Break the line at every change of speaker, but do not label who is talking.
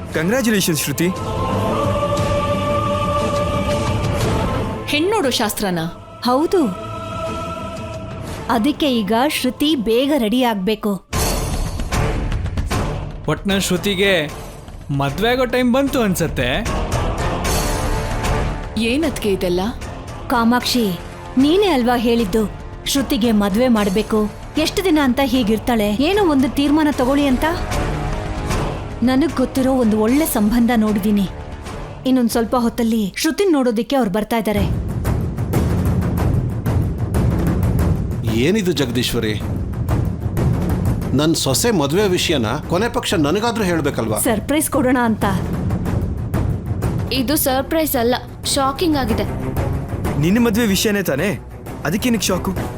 Congratulations ಶ್ರುತಿ.
ಹೆಣ್ಣೋಡೋ ಶಾಸ್ತ್ರನ?
ಹೌದು. ಅದಕ್ಕೆ ಈಗ ಶ್ರುತಿ ಬೇಗ ರೆಡಿ ಆಗ್ಬೇಕು.
ಒಟ್ನಲ್ಲಿ ಶ್ರುತಿಗೆ ಮದ್ವೆ ಆಗೋ ಟೈಮ್ ಬಂತು ಅನ್ಸತ್ತೆ.
ಏನದ್ಕೆ ಇದೆಲ್ಲ?
ಕಾಮಾಕ್ಷಿ, ನೀನೇ ಅಲ್ವಾ ಹೇಳಿದ್ದು ಶ್ರುತಿಗೆ ಮದ್ವೆ ಮಾಡ್ಬೇಕು, ಎಷ್ಟು ದಿನ ಅಂತ ಹೀಗಿರ್ತಾಳೆ, ಏನೋ ಒಂದು ತೀರ್ಮಾನ ತಗೊಳ್ಳಿ ಅಂತ. ನನಗ್ ಗೊತ್ತಿರೋ ಒಂದು ಒಳ್ಳೆ ಸಂಬಂಧ ನೋಡಿದೀನಿ. ಇನ್ನೊಂದ್ ಸ್ವಲ್ಪ ಹೊತ್ತಲ್ಲಿ ಶ್ರುತಿನ್ ನೋಡೋದಿಕ್ಕೆ ಅವ್ರು ಬರ್ತಾ ಇದ್ದಾರೆ.
ಏನಿದು ಜಗದೀಶ್ವರಿ, ನನ್ನ ಸೊಸೆ ಮದುವೆ ವಿಷಯನ ಕೊನೆ ಪಕ್ಷ ನನಗಾದ್ರೂ ಹೇಳ್ಬೇಕಲ್ವಾ?
ಸರ್ಪ್ರೈಸ್ ಕೊಡೋಣ ಅಂತ.
ಇದು ಸರ್ಪ್ರೈಸ್ ಅಲ್ಲ, ಶಾಕಿಂಗ್ ಆಗಿದೆ.
ನಿನ್ನ ಮದುವೆ ವಿಷಯನೇ ತಾನೇ, ಅದಕ್ಕೇನಕ್ಕೆ ಶಾಕು?